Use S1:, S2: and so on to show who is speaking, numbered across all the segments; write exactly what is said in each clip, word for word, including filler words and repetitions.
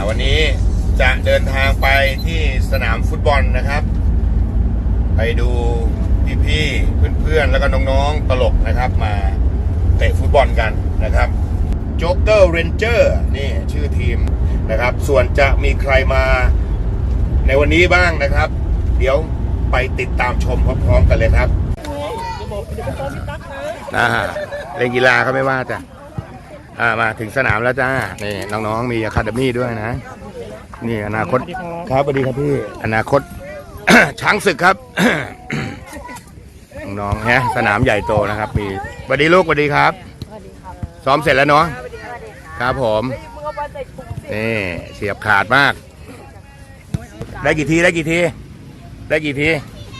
S1: วันนี้จะเดินทางไปที่สนามฟุตบอลนะครับไปดูพี่ๆเพื่อนๆแล้วก็น้องๆตลกนะครับมาเตะฟุตบอลกันนะครับโจ๊กเกอร์เรนเจอร์นี่ชื่อทีมนะครับส่วนจะมีใครมาในวันนี้บ้างนะครับ เดี๋ยวไปติดตามชมพร้อมๆกันเลยครับอ่าเล่นกีฬาเขาไม่ว่าจ้ะอ่ามาถึงสนามแล้วจ้านี่น้องๆมีอะคาเดมี่ด้วยนะนี่อนาคตครับสวัสดีครับพี่อนาคต ช้างศึกครับ น้องๆฮะสนามใหญ่โตนะครับมีสวัสดีลูกสวัสดีครับซ้อมเสร็จแล้วเนาะครับผมนี่เสียบขาดมากได้กี่ทีได้กี่ทีได้กี่ที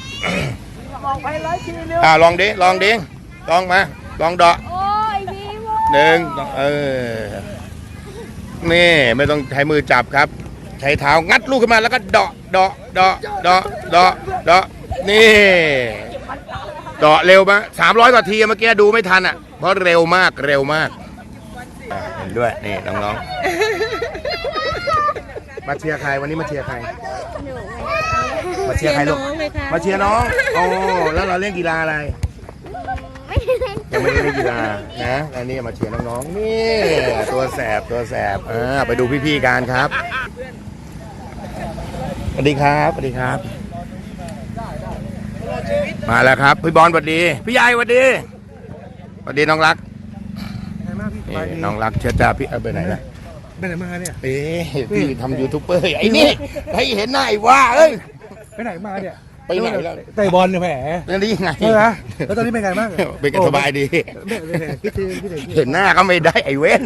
S1: อ่าลองดิลองดิลองมาลองเดาะหนึ่งเออนี่ไม่ต้องใช้มือจับครับใช้เท้างัดลูกขึ้นมาแล้วก็เดาะเดาะเดาะเดาะเดาะเดาะนี่เดาะเร็วมากสามร้อยกว่าทีเมื่อกี้ดูไม่ทันอ่ะเพราะเร็วมากเร็วมากเห็นด้วยนี่น้องๆมาเชียร์ใครวันนี้มาเชียร์ใครมาเชียร์ใครลูกมาเชียร์น้องโอ้แล้วเราเล่นกีฬาอะไรยังไม่ได้เล่นกีฬานะอันนี้มาเชียร์น้องๆนี่ตัวแสบตัวแสบอ่าไปดูพี่ๆกันครับสวัสดีครับสวัสดีครับมาแล้วครับพี่บอลสวัสดีพี่ใหญ่สวัสดีสวัสดีน้องรักน้องรักเชิญจ้าพี่เอาไปไหนนะ
S2: ไปไหนมาเนี่ย
S1: เอ๊ะพี่ทำยูทูบเบอร์ไอ้นี่ให้เห็นหน้าไอ้ว่าเอ้ย
S2: ไปไหนมาเนี่ย
S1: ไปไหนแล้ว
S2: เตะบอลเนี่ยแหม
S1: แล้วนี่ไง
S2: ใช่ไหมแล้วตอนนี้เป็นไงบ้าง
S1: เป็นกันสบายดีเห็นหน้าก็ไม่ได้ไอ้เว้น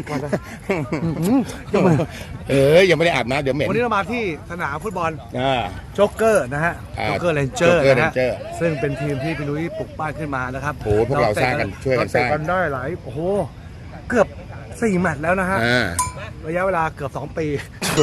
S1: เออยังไม่ได้อาบน้ำเดี๋ยวเหม็น
S2: วันนี้เรามาที่สนามฟุตบอล
S1: โจ๊
S2: กเกอร์นะฮะโจ๊กเกอร์เรนเจอร์นะฮะซึ่งเป็นทีมที่พี่นุ้ยปลุกปั้นขึ้นมานะครับ
S1: โอ้พวกเราสร้างกันช่วยกันสร้าง
S2: กันได้หลายโอ้โหเกือบสี่แมตช์แล้วนะฮะระยะเวลาเกือบสองปี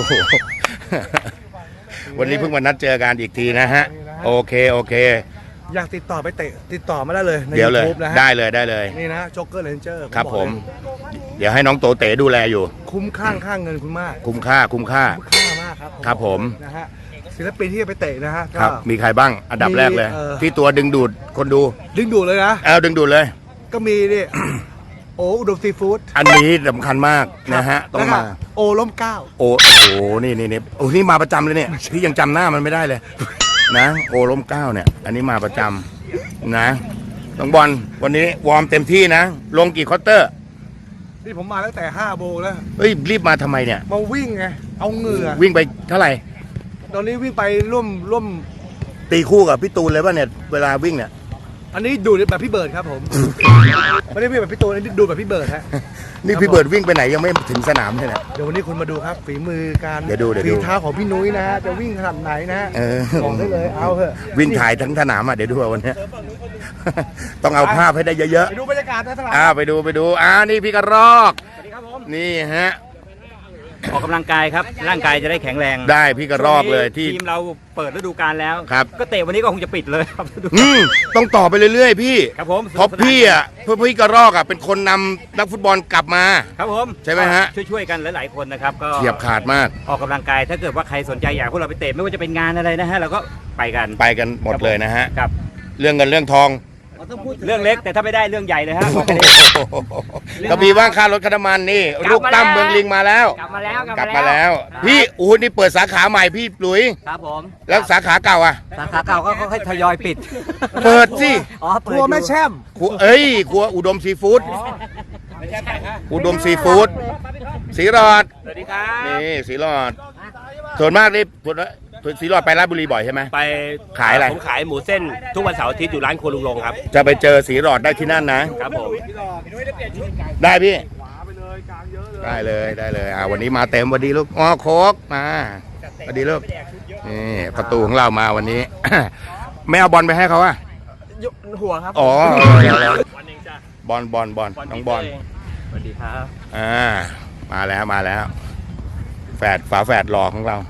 S1: วันนี้เพิ่งมานัดเจอกันอีกทีนะฮะโอเคโอเค
S2: อยากติดต่อไปเตะติดต่อมาได้เลยใน
S1: เดี๋ยวเลย
S2: YouTube นะฮะ
S1: ได้เลยได้เลย
S2: นี่นะโจ๊กเกอร์เรนเจอร์
S1: ครับผมเดี๋ยวให้น้องโตเต๋ดูแลอยู่
S2: คุ้มค่าค่าเงินคุณมาก
S1: คุ้มค่าคุ้มค่า
S2: คุ้มค่ามากครับ
S1: ครับผม
S2: นะฮะศิลปินที่จะไปเตะนะฮะ
S1: ครับมีใครบ้างอันดับแรกเลยที่ตัวดึงดูดคนดู
S2: ดึงดูดเลยนะ
S1: เอาดึงดูดเลย
S2: ก็มีนี่โอ้อุดมซีฟู้ด
S1: อันนี้สำคัญมากนะฮะต้องมา
S2: โอล้มเก้า
S1: โอ้โหนี่นี่นี่โอ้นี่มาประจำเลยเนี่ยพี่ยังจำหน้ามันไม่ได้เลยนะโอล้มเก้าเนี่ยอันนี้มาประจำนะน้องบอลวันนี้วอร์มเต็มที่นะลงกี่ควอเตอร์
S2: นี่ผมมาตั้งแต่ห้าโมงแล้ว
S1: เฮ้ยรีบมาทำไมเนี่ย
S2: มาวิ่งไงเอาเหงื่อ
S1: วิ่งไปเท่าไหร่
S2: ตอนนี้วิ่งไปร่วมร่วม
S1: ตีคู่กับพี่ตูนเลยป่ะเนี่ยเวลาวิ่งเนี่ย
S2: อันนี้ดูแบบพี่เบิร์ดครับผมไม่ได้วิ่งแบบพี่ตูนอันนี้ดูแบบพี่เบิร์ดฮะ
S1: นี่พี่เบิร์ดวิ่งไปไหนยังไม่ถึงสนามเลยนะ
S2: เดี๋ยววันนี้คุณมาดูครับฝีมือการ
S1: เดี๋ยวดูเดี๋ยวดู
S2: ฝีเท้าของพี่นุ้ยนะฮะจะวิ่งขนาดไหนนะบอกได้เลยเอาเถอะ
S1: วิ่งถ่ายทั้งสนามอ่ะเดี๋ยวดูวันนี้ต้องเอาภาพให้ได้เยอะๆ
S2: ไปดูบรรยากาศในสนาม
S1: อ่าไปดูไปดูอ่านี่พี่กระรอกสวัสดีครับผมนี่ฮะ
S3: ออกกำลังกายครับร่างกายจะได้แข็งแรง
S1: ได้พี่กระรอกเลยที่
S3: ทีมเราเปิดฤดูกาลแล้ว
S1: ครับ
S3: ก็เตะวันนี้ก็คงจะปิดเลยครับ
S1: ต้องต่อไปเรื่อยๆพี่
S3: ครับผม
S1: เพราะพี่อ่ะเพื่อพี่กระรอกอ่ะเป็นคนนำนักฟุตบอลกลับมา
S3: ครับผม
S1: ใช่ไหมฮะ
S3: ช่วยๆกันหลายๆคนนะครับก็
S1: เฉียบขาดมาก
S3: ออกกำลังกายถ้าเกิดว่าใครสนใจอยากพวกเราไปเตะไม่ว่าจะเป็นงานอะไรนะฮะเราก็ไปกัน
S1: ไปกันหมดเลยนะฮะ
S3: ครับ
S1: เรื่องเงินเรื่องทอง
S3: เรื่องเล็กแต่ถ้าไม่ได้เรื่องใหญ่เลยฮะ
S1: ก็มีว่างค่ารถค่าน้ำมันนี่ลูกตั้มเมืองลิงมาแล้ว
S3: กลับมาแล้ว
S1: กลับมาแล้วพี่อู้นี่เปิดสาขาใหม่พี่หลุย
S3: ครับผม
S1: แล้วสาขาเก่าอ่ะ
S3: สาขาเก่าก็ค่อยทยอยปิด
S1: เปิดสิ
S2: ครัวแม่แช่ม
S1: ครัวเอ้ยครัวอุดมซีฟู้ดอุดมซีฟู้ดสีหลอด
S3: สวัสดีครับ
S1: นี่สีหลอดส่วนมากนี่สีหลอดไปราชบุรีบ่อยใช่ไหม
S4: ไป
S1: ขายอะไร
S4: ผมขายหมูเส้นทุกวันเสาร์อาทิตย์อยู่ร้านครัวลุงลงครับ
S1: จะไปเจอสีหลอดได้ที่นั่นนะครับ
S4: ผม
S1: ได้พี่ได้เลยได้เลยอ่าวันนี้มาเต็มวันดีลูกอ๋อโคกมาวันดีลูกนี่ประตูของเรามาวันนี้ไม่เอาบอลไปให้เขาอ่ะ
S2: หัวครับ
S1: อ๋อบอลบอลบอลน้องบอล
S3: สวัสดีครับ
S1: อ่ามาแล้วมาแล้วแฝดฝาแฝดหล่อของเรา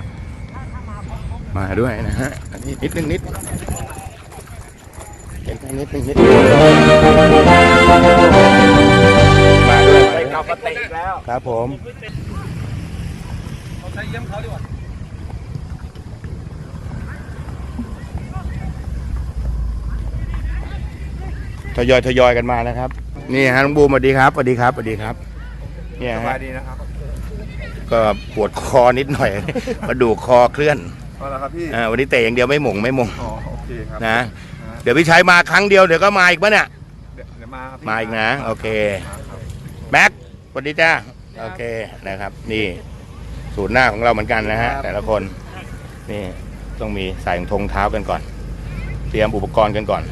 S1: มาด้วยนะฮะอันนี้นิดนึงนิดเห็นแค่นิดนึงนิดมาด้วย
S3: ไปกลับมาเตะอีกแล้ว
S1: ครับผม
S2: ช้เยี่ยมเขาดีกว่า
S1: ทยอยทยอยกันมานะครับ นี่ฮะน้องบูมสวัสดีครับสวัสดีครับสวัสดีครับเนี่ย
S2: ส
S1: ฮะ
S2: บายดีนะครับ
S1: ก็ปวดคอนิดหน่อย กระดูกคอเคลื่อน
S2: เอาละครับพี่
S1: อ่าวันนี้เตะอย่างเดียวไม่หม่งไม่หม่ง
S2: อ๋อโอเคครับ
S1: นะเดี๋ยวพี่ชัยมาครั้งเดียวเดี๋ยวก็มาอีกปะเนี่ย
S2: เดี๋ยวเดี๋ยวมาครับพี่
S1: มาอีกนะโอเคแม็กสวัสดีจ้าโอเคนะครับนี่ศูนย์หน้าของเราเหมือนกันนะฮะแต่ละคนนี่ต้องมีใส่รองทงเท้ากันก่อน เตรียมอุปกรณ์กันก่อน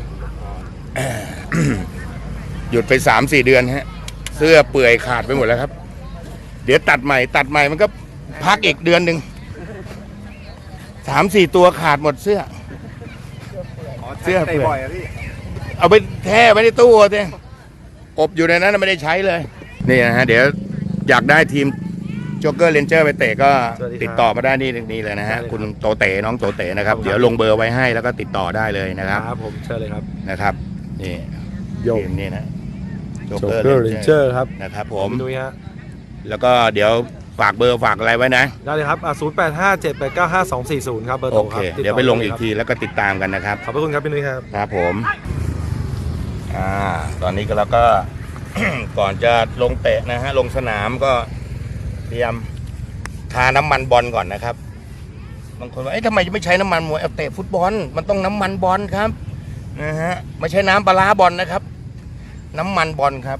S1: หยุดไปสามสี่เดือนฮะเสื้อเปื่อยขาดไปหมดแล้วครับ เดี๋ยวตัดใหม่ตัดใหม่มันก็พักอีกเดือนหนึ่งสามสี่ตัวขาดหมดเสื้อ เสื้อเปื่อย
S2: บ่อยอะพี่
S1: เอาไปแช่ไว้ในตู้เองอบอยู่ในนั้นไม่ได้ใช้เลยนี่นะฮะเดี๋ยวอยากได้ทีมโจ๊กเกอร์เรนเจอร์ไปเตะก็ติดต่อมาได้นี่นี่เลยนะฮะคุณโตเต๋น้องโตเต๋นะครับเดี๋ยวลงเบอร์ไว้ให้แล้วก็ติดต่อได้เลยนะครับ
S2: ครับผมเชิญเลยครับ
S1: นะครับนี่
S2: โย
S1: ทีมนี่นะ
S2: โจ๊กเกอร์เรนเจอร์ครับ
S1: นะครับผม
S2: ดูฮะ
S1: แล้วก็เดี๋ยวฝากเบอร์ฝากอะไรไว้นะ
S2: ได้เลยครับอ่าศูนย์แปดห้าเจ็ดแปดเก้าห้าสองสี่ศูนย์ครับเบอร์
S1: โอ
S2: โทร
S1: เค
S2: ครับติต่
S1: เดี๋ยวไปลงอีกทีแล้วก็ติดตามกันนะครับ
S2: ขอบพระคุณครับพี่นุ้ยครับ
S1: ครับผมอ่าตอนนี้ก็เราก็ ก่อนจะลงเตะนะฮะลงสนามก็เตรียมทาน้ำมันบอลก่อนนะครับบางคนว่าเอ๊ะทำไมจะไม่ใช้น้ำมันมวยเอาเตะฟุตบอลมันต้องน้ำมันบอลครับนะฮะไม่ใช่น้ำปลาร้าบอลนะครับ น้ำมันบอลครับ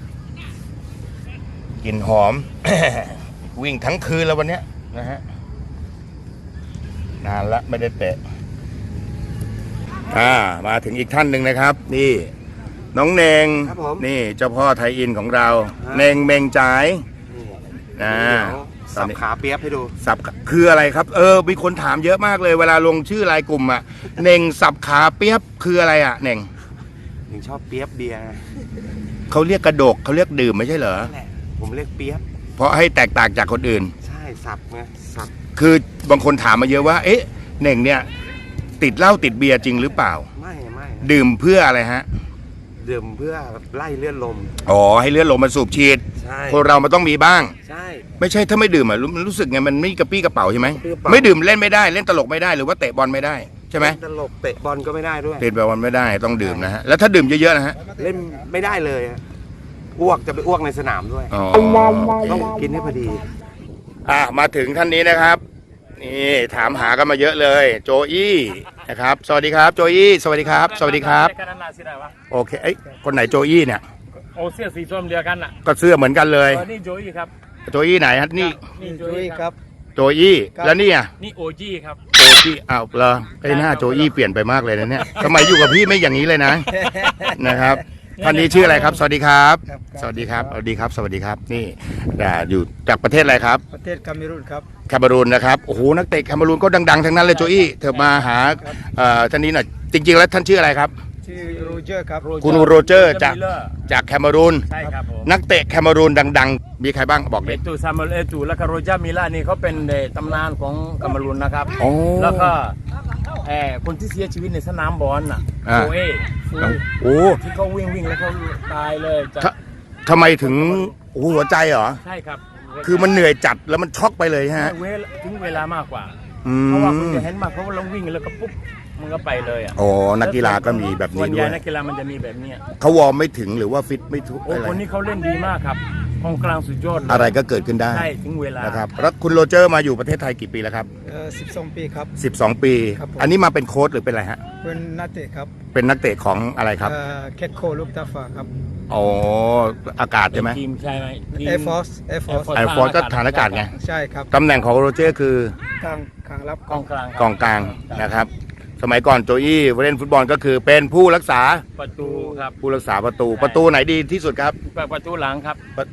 S1: กลิ่นหอม วิ่งทั้งคืนแล้ววันเนี้ยนะฮะนานละไม่ได้เตะอ่ามาถึงอีกท่านหนึ่งนะครับ นี่ น้องเนง
S2: ครับผม
S1: นี่เจ้าพ่อไทยอินของเรา เนงเมงจ่ายนะตอ
S2: สั
S1: น
S2: บ
S1: นี้
S2: ขาเปียบให้ดู
S1: สับคืออะไรครับ เออมีคนถามเยอะมากเลย เวลาลงชื่อรายกลุ่มอ่ะ เนงสับขาเปียบคืออะไรอ่ะเนง
S5: ถึงชอบเปียบเบียร์ไง
S1: เขาเรียกกระดกเขาเรียกดื่มไม่ใช่เหรอ
S5: นั่นแหละผมเรียกเปียบ
S1: เพราะให้แตกต่างจากคนอื่น
S5: ใช่สับไงสับ
S1: คือบางคนถามมาเยอะว่า เอ๊ะเน่งเนี่ย ติดเหล้าติดเบียร์จริงหรือเปล่า
S5: ไม่ไม่
S1: ดื่มเพื่ออะไรฮะ
S5: ดื่มเพื่อไล่เลือดลม
S1: อ๋อให้เลือดลมมันสูบฉีด
S5: ใช่
S1: คนเรามันต้องมีบ้าง
S5: ใช่
S1: ไม่ใช่ถ้าไม่ดื่มอ่ะรู้มันรู้สึกไงมันไม่กระปี้กระเป๋าใช่ไหม
S5: กระปี้กระเป๋า
S1: ไม่ดื่มเล่นไม่ได้เล่นตลกไม่ได้หรือว่าเตะบอลไม่ได้ใช่ไหม
S5: ตลกเตะบอลก็ไม่ได้ด้วย
S1: เตะบอลไม่ได้ต้องดื่มนะฮะแล้วถ้าดื่มเยอะๆนะฮะ
S5: เล่นไม่ได้เลยอะอ้วกจะไปอ้วกในสนามด้วย
S1: อ๋อ
S5: ต้องกินให้พอดี
S1: อ่ะมาถึงท่านนี้นะครับนี่ถามหากันมาเยอะเลย โจอี้นะครับสวัสดีครับโจอี้สวัสดีครับ สวัสดีครับ
S6: กันนั่นน่ะสิได้วะ
S1: โอเคเอ้ยคนไหนโจอี้เนี่ย
S6: โอเสื้อสีส้มเดียวกันน่ะ
S1: ก็เสื้อเหมือนกันเลย
S6: เออนี่โจอี้ครับ
S1: โจอี้ไหนฮะนี่
S6: นี่โจอี้ครับ
S1: โจอี้แล้วนี่อ่ะ
S6: นี่โอจี้ครับ
S1: โจอี้อ้าวเหรอไอ้หน้าโจอี้เปลี่ยนไปมากเลยนะเนี่ยทำไมอยู่กับพี่ไม่อย่างนี้เลยนะ นะครับท่านนี้ชื่ออะไรครับ สวัสดีครับ สวัสดีครับสวัสดีครับ สวัสดีครับนี่อ่าอยู่จากประเทศอะไรครับ
S2: ประเทศคาเมรูนครับ
S1: แคนารูนนะครับโอ้โหนักเตะแคนารูนก็ดังๆทั้งนั้นเลยโจอี้เธอมาหาเอ่อท่านนี้หน่อยจริงๆแล้วท่านชื่ออะไรครับ
S2: ชื่อโรเจอร์ครับ
S1: คุณโรเจอร์จาก
S6: มิลเลอร์
S1: จากแคนารูน
S6: ใช่ครับผม
S1: นักเตะแคนารูนดังๆ มีใครบ้างบอก
S6: เอ
S1: เลย
S6: ตูซามูเอลเอตูแล้วก็โรเจอร์มิลล่านี่เขาเป็นเอ่อตำนานของกัมพูชานะครับ
S1: โอ้
S6: แล้วก็เอ่อคนที่เสียชีวิตในสนามบอลน่ะ
S1: อ่า
S6: โอเอฟู
S1: โอ้
S6: ที่เขาวิ่งวิ่งแล้วเขาตายเลยจาก
S1: ททำไมถึงโอ้โหหัวใจเหรอ
S6: ใช่ครับ
S1: คือมันเหนื่อยจัดแล้วมันช็อกไปเลยฮะ
S6: เวลาถึงเวลามากกว่า
S1: อื
S6: เพราะว่าคุณ
S1: ม
S6: จะเห็นมากเพราะว่าเราวิ่งแล้วก็ปุ๊บมันก็ไปเลยอ่ะ
S1: โอ้นักกีฬาก็มีแบบ
S6: ส่ว
S1: นี้
S6: นให
S1: ด้
S6: ญ่
S1: วย
S6: นักกีฬามันจะมีแบบเนี้ย
S1: เขาวอร์มไม่ถึงหรือว่าฟิตไม่ทุก
S6: โอ้
S1: อะไร
S6: คนนี้เขาเล่นดีมากครับกองกลางสุดยอดเลย
S1: อะไรก็เกิดขึ้นได้
S6: ใช่ถึงเวลา
S1: นะครับแล้วคุณโรเจอร์มาอยู่ประเทศไทยกี่ปีแล้วครับ
S2: เอ่อสิบสองปีครับ
S1: สิบสองปี
S2: ครับผม
S1: อันนี้มาเป็นโค้ชหรือเป็นอะไรฮะ
S2: เป็นนักเตะครับ
S1: เป็นนักเตะของอะไรครับ
S2: เอ่อแคทโคลูกตาฟาครับ
S1: อ๋ออากาศใช่ไหม
S6: ทีมใช่ไหมทีม
S2: Air Force Air Force
S1: ไอฟอร์ก็ฐานอากาศไง
S2: ใช่ครับ
S1: ตำแหน่งของโรเจอร์คือ
S2: กลางกลางรับ
S6: กองกลาง
S1: กองกลางนะครับ สมัยก่อนโจอี้เล่นฟุตบอลก็คือเป็นผู้รักษา
S6: ประตูครับ
S1: ผู้รักษาประตูประตูไหนดีที่สุดครับ
S6: ประตูหลังครับ
S1: ประ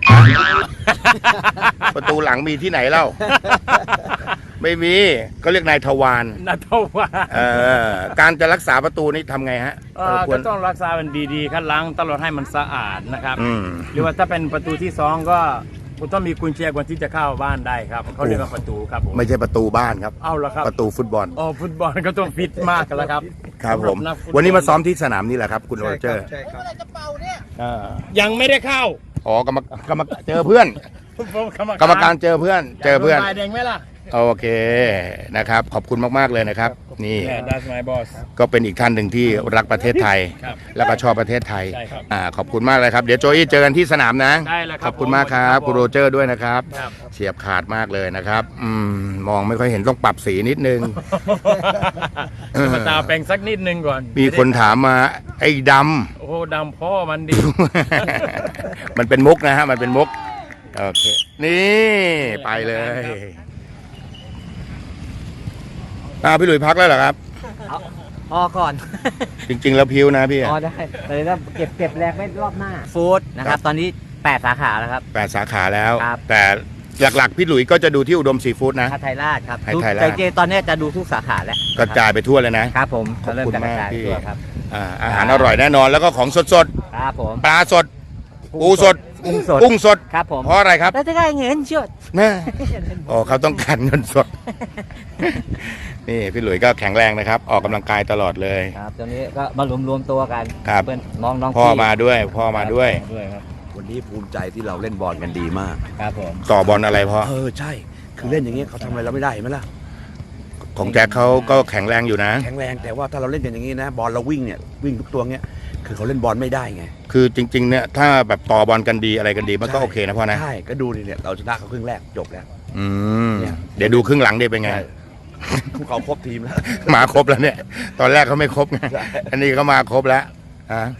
S1: ประตูหลังมีที่ไหนเล่า ไม่มีก็เรียกนายทวาร
S6: นาทว่า
S1: เอ่อการจะรักษาประตูนี่ทำไงฮะ
S6: เอ่อ
S1: คว
S6: ก็
S1: ร
S6: ต้องรักษามันดีๆครับล้างตลอดให้มันสะอาดนะครับ
S1: อืม
S6: หรือว่าถ้าเป็นประตูที่สองก็คุณต้องมีกุญแจก่อนที่จะเข้าบ้านได้ครับเขาเรียกว่าประตูครับผม
S1: ไม่ใช่ประตูบ้านครับ
S6: เอาละครับ
S1: ประตูฟุตบอล
S6: อ๋อฟุตบอลก็ต้องฟิตมากแล้วครับ
S1: ครับผม
S6: สำหนักฟุตบล
S1: วันนี้มาซ้อมที่สนามนี่แหละครับคุณโร
S2: ใช่
S1: เจ
S2: ค
S1: อ
S2: รับ
S1: ร์
S2: ใช่ครับ
S1: อ่า
S6: ยังไม่ได้เข้า
S1: อ๋อกรรมกรรมเจอเพื่อน
S6: ผม
S1: กรรมการเจอเพื่อน เจอเพื่อน
S6: ใบแดงไหมล่ะ
S1: โอเคนะครับ ขอบคุณมากๆเลยนะครับ นี่
S6: that's my boss
S1: ก็เป็นอีกท่านหนึ่งที่รักประเทศไทย
S6: ครับ
S1: แล้วก็ชอบประเทศไทย
S6: ใช่ครับ
S1: อ่าขอบคุณมากเลยครับ เดี๋ยวโจอี้เจอกันที่สนามนะ
S6: ได้เลยครับ
S1: ขอบคุณมากครับคุณโรเจอร์ด้วยนะครับ
S6: ครับ
S1: เฉียบขาดมากเลยนะครับอืมมองไม่ค่อยเห็นต้องปรับสีนิดนึง เออ
S6: มาตาแปลงสักนิดนึงก่อน
S1: มีคนถามมาไอ้ด
S6: โอ้โหดำพ่อมันดี
S1: ำ มันเป็นมุกนะฮะ มันเป็นมุก โอเค นี่ไปเลยอ่าพี่หลุยพักแล้วเหรอครับ
S7: พอก่อน
S1: จริง ๆ แล้วพิ้วนะพี่
S7: พอได้เลยแล้วเก็บเก็บแรงไว้รอบหน้า ฟู้ดนะครับ ตอนนี้แปดสาขาแล้วครับ
S1: แปดสาขาแล้ว
S7: ครับ
S1: แต่หลักๆ พี่หลุยก็จะดูที่อุดมซีฟู้ดนะ
S7: คาไทยราชครับ
S1: ไทยไทยราช
S7: แต่จริงๆตอนนี้จะดูทุกสาขาแล้ว
S1: กระจายไปทั่วเลยนะ
S7: ครับผม
S1: ขอบ
S7: จะเริ่ม
S1: คุณ
S7: จะกระจาย
S1: มากพี่
S7: ตัวครับ
S1: อ่าอาหารอร่อยแน่นอนแล้วก็ของสด
S7: ครับผม
S1: ๆ ปลาสด ปูสด
S7: กุ้งสด
S1: กุ้งสด
S7: ครับผม
S1: เพราะอะไรครับ
S7: แล้วจะได้เงินเชื่อ
S1: นะอ๋อเขาต้องการเงินสด นี่พี่หลุยก็แข็งแรงนะครับ ออกกำลังกายตลอดเลย
S7: ครับตอนนี้ก็มารวมรวมๆตัวกัน
S1: ครับ
S7: เพื่อนน้องน้อง
S1: พ่อ
S7: พี่
S1: มาด้วย พ่อมาด้วย
S7: ด้วยครับ
S8: วันนี้ภูมิใจที่เราเล่นบอลกันดีมาก
S7: ครับผม
S1: ต่อบอลอะไรพ่อ
S8: เออใช่ คือเล่นอย่างเงี้ยเขาทำอะไรเราไม่ได้เห็นไหมล่ะ
S1: ของแจ็คเขาก็แข็งแรงอยู่นะ
S8: แข็งแรงแต่ว่าถ้าเราเล่นกันอย่างงี้นะ บอลเราวิ่งเนี่ยวิ่งทุกตัวเงี้ย คือเขาเล่นบอลไม่ได้ไง
S1: คือจริง ๆ เนี่ยถ้าแบบต่อบอลกันดีอะไรกันดีมันก็โอเคนะพ่อนะ
S8: ใช่ ก็ดูดิเนี่ยเราชนะเขาครึ่งแรกจบแล้ว
S1: อืม
S8: เนี่ย
S1: เดี๋ยวดูครึ่งหลังดีเป็นไง
S8: ใช่พวกเขาครบทีมแล้ว
S1: มาครบแล้วเนี่ย ตอนแรกเขาไม่ครบไง
S8: ใช่
S1: อันนี้เขามาครบแล้วฮะ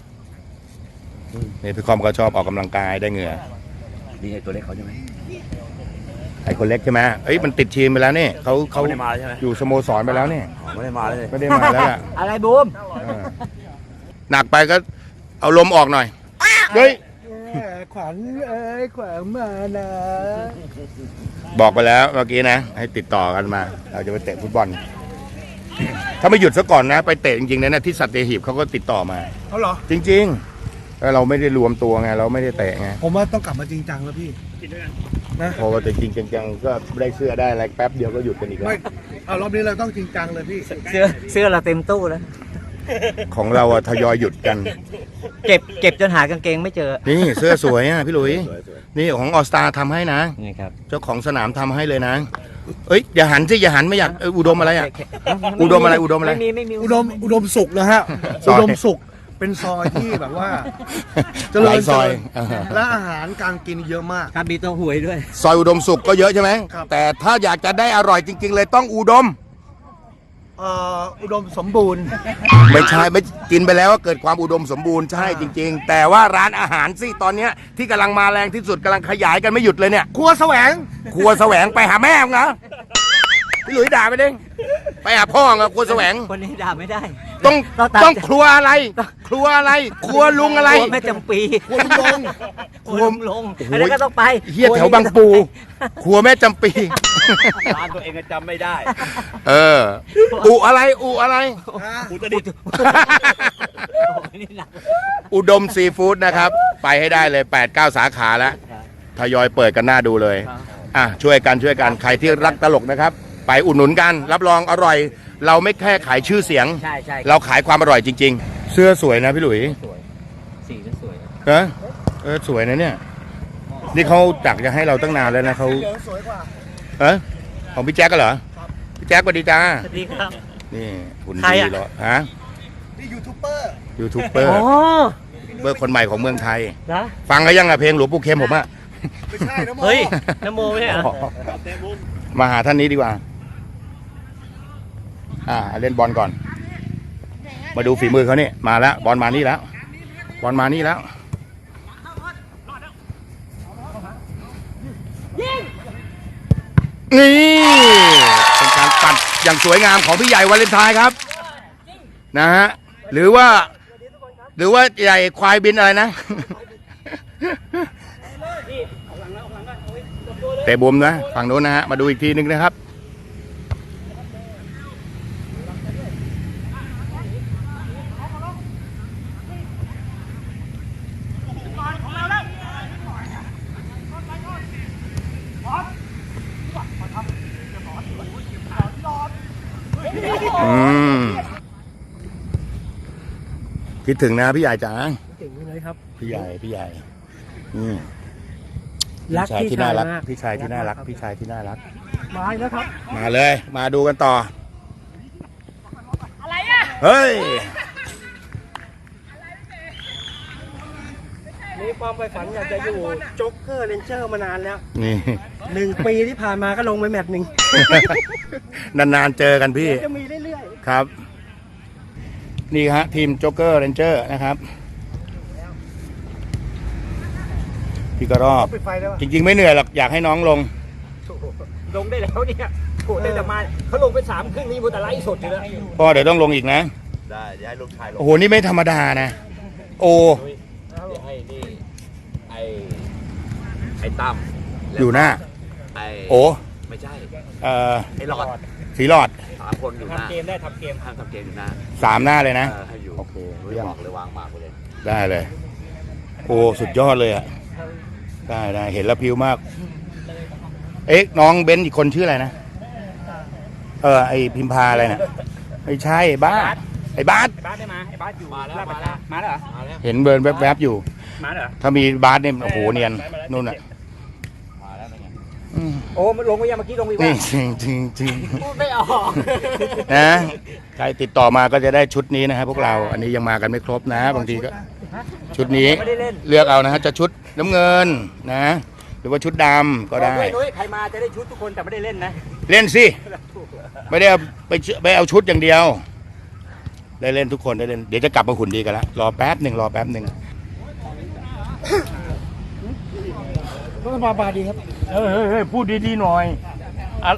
S1: นี่พี่คอมก็ชอบออกกำลังกายได้เหงื่อ
S8: นี่ไงตัวเล็กเขาใช่ไหม
S1: ไอ้คนเล็กใช่ไหมเอ้ยมันติดทีมไปแล้วนี่เขา
S8: เขา
S1: เขา
S8: ไม่ได้มาใช่ไหม
S1: อยู่สโมสรไปแล้วนี่
S8: อ๋อไม่ได้มาเลย
S1: ไม่ได้มาแล้วล่ะ
S7: อะไรบูม
S1: เออหนักไปก็เอาลมออกหน่อยเฮ้ย
S2: ขวัญเอ้ยขวัญมานะ
S1: บอกไปแล้วเมื่อกี้นะ ให้ติดต่อกันมา เราจะไปเตะฟุตบอล ถ้าไม่หยุดซะก่อนนะ ไปเตะจริงๆนะที่สัตหีบเขาก็ติดต่อมา
S2: เขาเหรอ
S1: จริงๆแล้วเราไม่ได้รวมตัวไงเราไม่ได้เตะไง
S2: ผมว่าต้องกลับมาจริงจังแล้วพี่
S1: พอแต่จริงๆจังๆก็ได้เสื้อได้อะไรแป๊บเดียวก็หยุดกันอีกแล้ว
S2: ไม่เอารอบนี้เราต้องจริงจังเลยพี่
S7: เสื้อเสื้อเราเต็มตู้แล้ว
S1: ของเราอะทยอยหยุดกัน
S7: เก็บเก็บจนหากางเกงไม่เจอ
S1: นี่เสื้อสวยอ่ะพี่หลุยนี่ของออสตาทำให้นะ
S7: นี่ครับ
S1: เจ้าของสนามทำให้เลยนะ เอ้ยอย่าหันสิอย่าหันไม่อยากเอ้ยอุดมอะไรอ่ะ อุดมอะไรอุดมอะไร
S7: ไม่มีไม่มี
S2: อุดมอุดมสุขนะฮะ
S1: ซอย
S2: อุดมสุขเป็นซอยที่แบบว่าเจริ
S1: หลา
S2: ญ
S1: ยซอย
S2: เจริญและอาหารการกินเยอะมาก
S7: ครับมีตัวหวยด้วย
S1: ซอยอุดมสุขก็เยอะใช่ไหม
S2: ครับ
S1: แต่ถ้าอยากจะได้อร่อยจริง ๆ เลยต้องอุดม
S2: เอ่ออุดมสมบูรณ์
S1: ไม่ใช่ไม่กินไปแล้วว่าเกิดความอุดมสมบูรณ์ใช่จริง ๆ แต่ว่าร้านอาหารสิตอนเนี้ยที่กำลังมาแรงที่สุดกำลังขยายกันไม่หยุดเลยเนี่ย
S2: ครัวแสวง
S1: ครัวแสวงไปหาแม่มึงเหรอพี่หลุยด่าไปดิไปหาพ่อเหรอครัวแสวง
S7: คนนี้ด่าไม่ได้
S1: ต้อง
S7: ต้องตาม
S1: ต้องครัวอะไร ครัวอะไร ครัวลุงอะไร
S7: ครัวแม่จำปี
S2: ครัวลุงลง
S7: ครัวลุงลง
S1: โอ้โห
S7: อันนั้นก็ต้องไป
S1: เฮียแถวบางปู ครัวแม่จำปี
S4: ร้านตัวเองก็จำไม่ได้
S1: เออ อุอะไร อุอะไร
S4: อุตรดิตถ์
S1: อุดมซีฟู้ดนะครับ ไปให้ได้เลย แปดเก้า สาขาแล้ว ทยอยเปิดกันหน้าดูเลย อ่ะ ช่วยกันช่วยกัน ใครที่รักตลกนะครับ ไปอุดหนุนกัน รับรองอร่อย เราไม่แค่ขายชื่อเสียง
S7: ใช่ใช่
S1: เราขายความอร่อยจริง ๆ เสื้อสวยนะพี่หลุย
S7: สวยสีก็สวย
S1: เออเออสวยนะเนี่ย นี่เขาจักจะให้เราตั้งนานแล้วนะเขา
S2: เหลืองสวยกว่า
S1: เออของพี่แจ๊กก็เหรอ พี่แจ๊กสวัสดีจ้า
S7: สวัสดีครับ
S1: นี่หุ่น
S7: ใคร
S1: ดี
S7: อะ
S1: เหรอฮะ
S2: นี่ยูทูบเบอร์
S1: ยูทูบเบอร์
S7: อ๋อ
S1: เบอร์คนใหม่ของเมืองไทย
S7: นะ
S1: ฟังกันยังอะเพลงหลวงปู่เข็มผมอะ
S2: ไม่ใช่นะโม
S7: เฮ้ยน้ำโมไม่ใช่เหรอ
S1: มาหาท่านนี้ดีกว่า อ่า เล่นบอลก่อน มาดูฝีมือเขานี่มาแล้ว บอลมานี่แล้ว บอลมานี่แล้ว นี่เป็นการปัดอย่างสวยงามของพี่ใหญ่วาเลนไทน์ครับ นะฮะ หรือว่า หรือว่าใหญ่ควายบินอะไรนะ เตะบุมนะฝั่งโน้นนะฮะ มาดูอีกทีนึงนะครับ อืมคิดถึงนะพี่ใหญ่จ๋า
S2: เก่งเลยครับ
S1: พี่ใหญ่พี่ใหญ่อืม
S2: รัก
S1: พี่ชายที่น่ารัก
S2: พี่ชายมาก
S1: พี่ชายที่น่ารัก พี่ชายที่น่ารัก
S2: มาอีกแล้วครับ
S1: มาเลย มาดูกันต่อ อะไรอ่ะ เฮ้ย
S2: มีความใฝ่ฝันอยากจะอยู่โจ๊กเกอร์เรนเจอร์มานานแล้ว
S1: นี่
S2: หนึ่งปีที่ผ่านมาก็ลงไปแมตช์หนึ่ง
S1: นานๆเจอกันพี่
S2: จะมีเรื่อย
S1: ครับ นี่ฮะทีมโจ๊กเกอร์เรนเจอร์นะครับ พี่กระรอก
S2: ๆปิดไฟได้ปะ
S1: จริงๆไม่เหนื่อยหรอก อยากให้น้องลง
S3: ลงได้แล้วเนี่ยโหได้แต่มาเขาลงไปสามครึ่งนี่มูแต่ไลฟ์สดอยู่แล้ว
S1: พ่อเดี๋ยวต้องลงอีกนะ
S4: ได้เดี๋ยวให้ลูกชายลง
S1: โอ้โห นี่ไม่ธรรมดานะ โอ
S4: เดี๋ยวให้นี่ไอ้ไอ้ตั้ม
S1: อยู่หน้า
S4: ไอ้
S1: โอ
S4: ไม่ใช่
S1: เอ่อ
S4: ไอ้หลอด
S1: สีหลอด
S4: สามคนอยู่หน้า
S3: ทำเกมได้ทำเกม
S4: ห้ามทำเกมอยู่หน้า
S1: สามหน้าเลยนะ
S4: เออให้อยู่
S1: โอเค
S4: ไม่
S1: เยี่ยม
S4: บอกเลยวางหมากไปเลย
S1: ได้เลย โอ้ สุดยอดเลยอ่ะ ได้ได้เห็นแล้วพิวมาก เอ๊ะ น้องเบนซ์อีกคนชื่ออะไรนะ เออ ไอพิมพาอะไรนะไม่ใช่บ้าสไอ้บาส
S3: ไอ้บ้านได้มาไอ้บ้านอยู่
S4: มาแล้ว
S3: ลด
S4: มาแล้ว
S3: มาแล้วเหรอ
S4: มาแล้ว
S1: เห็นเบิร์นแวบๆอยู่
S3: มาแล้วเหรอ
S1: ถ้ามีบาสเนี่ยโอ้โหเนียนนู่นอ่ะ
S4: มาแล้วเป็นไง
S1: อืม
S3: โอ้มันลงไปยังเมื่อกี้ลงไป
S1: นี่
S3: ว่า
S1: จริงจริงจริง
S3: พูดไม่ออก
S1: นะใครติดต่อมาก็จะได้ชุดนี้นะฮะพวกเรา อันนี้ยังมากันไม่ครบนะ บางทีก็ ชุดนี้
S3: ไม่ได้เล่น
S1: เลือกเอานะฮะจะชุดน้ำเงินนะ หรือว่าชุดดำก็ได้
S3: บอกด้วยนุ้ยใครมาจะได้ชุดทุกคนแต่ไม่ได้เล่นนะ
S1: เล่นสิ ไม่ได้เอาไปเชื่อไปเอาชุดอย่างเดียว ได้เล่นทุกคนได้เล่น เดี๋ยวจะกลับมาหุ่นดีกันละรอแป๊บหนึ่งรอแป๊บหนึ่ง
S2: ก็มาบาดีครับ
S6: เฮ้ยเฮ้ยเฮ้ยพูดดีๆหน่อยอะ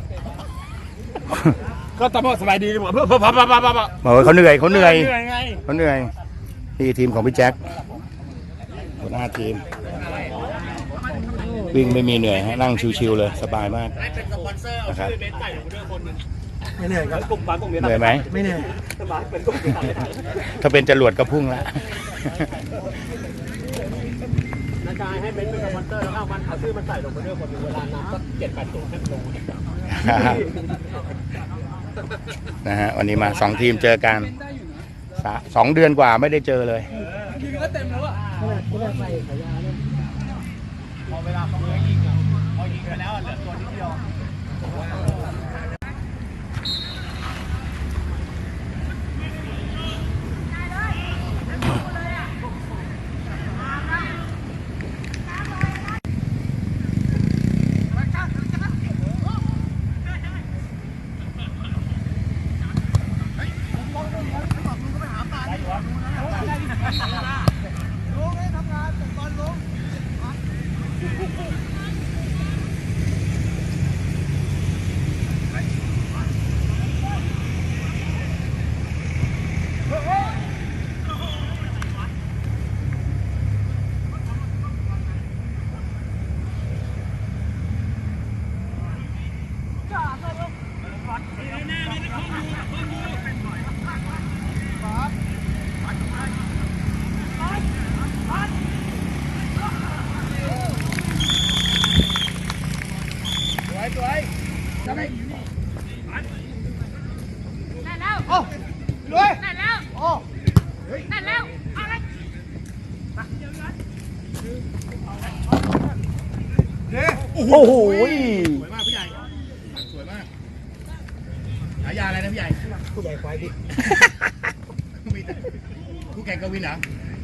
S6: ก็ตำรวจสบายดีหมดเพื่อเพื่อพับพับพับพับ
S1: บอกว่าเขาเหนื่อยเขาเหนื่อย
S6: เหนื่อยไง
S1: เขาเหนื่อยนี่ทีมของพี่แจ็คหัวหน้าทีม วิ่งไม่มีเหนื่อยฮะนั่งชิวๆเลยสบายมากนะครับ
S2: ไม่เหนื่อยครับ
S1: เหนื่อยไหม
S2: ไม่เหนื่อย
S1: ถ้าเป็นจรวดก็พุ่งละ
S3: นาจายให้เป็นเป็นสปอนเซอร์แล้วเอามันเอาชื่อมันใส่ลงไปด้วยคนเวลานับสักเจ็ดแปดตัวให้ลง
S1: นะฮะวันนี้มาสองทีมเจอกันสะสองเดือนกว่าไม่ได้เจอเลย โอ้โห
S2: สวยมากพี่ใหญ่ สวยมากฉายาอะไรนะพี่ใหญ่ผู้ใหญ่ควายดิมีแต่ผู้แข่งกวินเหรอ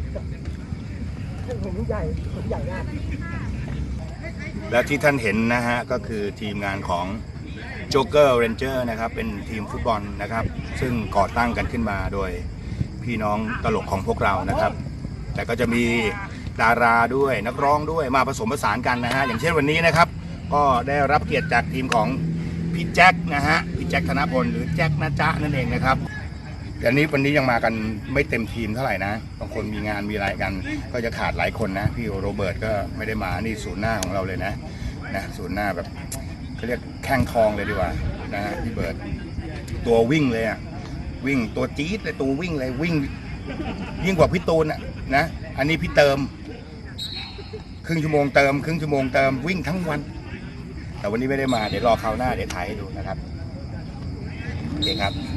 S2: ผมผู้ใหญ่ผมใหญ่มาก
S1: แล้วที่ท่านเห็นนะฮะก็คือทีมงานของ Joker Ranger นะครับเป็นทีมฟุตบอลนะครับ ซึ่งก่อตั้งกันขึ้นมาโดยพี่น้องตลกของพวกเรานะครับ แต่ก็จะมีดาราด้วยนักร้องด้วยมาผสมผสานกันนะฮะอย่างเช่นวันนี้นะครับ ก็ได้รับเกียรติจากทีมของพี่แจ็คนะฮะพี่แจ็คธนพลหรือแจ็คนะจ๊ะนั่นเองนะครับแต่นี้วันนี้ยังมากันไม่เต็มทีมเท่าไหร่นะบางคนมีงานมีอะไรกัน ก็จะขาดหลายคนนะพี่โรเบิร์ตก็ไม่ได้มานี่ศูนย์หน้าของเราเลยนะนะศูนย์หน้าแบบเขาเรียกแข้งทองเลยดีกว่านะฮะพี่เบิร์ตตัววิ่งเลยอ่ะวิ่งตัวจี๊ดเลยตัววิ่งเลยวิ่งยิ่งกว่าพี่ตูนอ่ะนะอันนี้พี่เติมครึ่งชั่วโมงเติมครึ่งชั่วโมงเติมวิ่งทั้งวันแต่วันนี้ไม่ได้มาเดี๋ยวรอคราวหน้าเดี๋ยวถ่ายให้ดูนะครับโอเคครับ